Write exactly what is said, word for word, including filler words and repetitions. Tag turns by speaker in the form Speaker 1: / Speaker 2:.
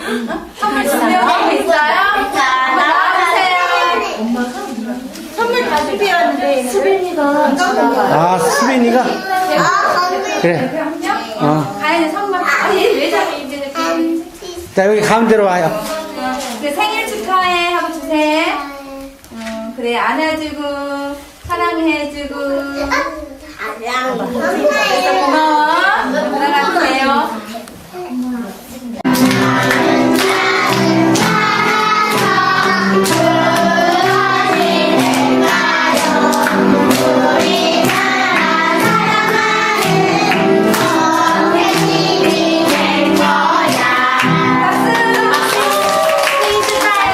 Speaker 1: 선물 준비하고 있어요? 자, 나와주세요. 선물 다 준비했는데 수빈이가
Speaker 2: 아, 수빈이가? 그래. 어.
Speaker 1: 가연이 선물. 아니, 왜 자꾸 이제
Speaker 2: 자, 여기 가운데로 와요.
Speaker 1: 그 생일 축하해 하고 주세요. 어, 그래, 안아주고, 사랑해주고. 고마워.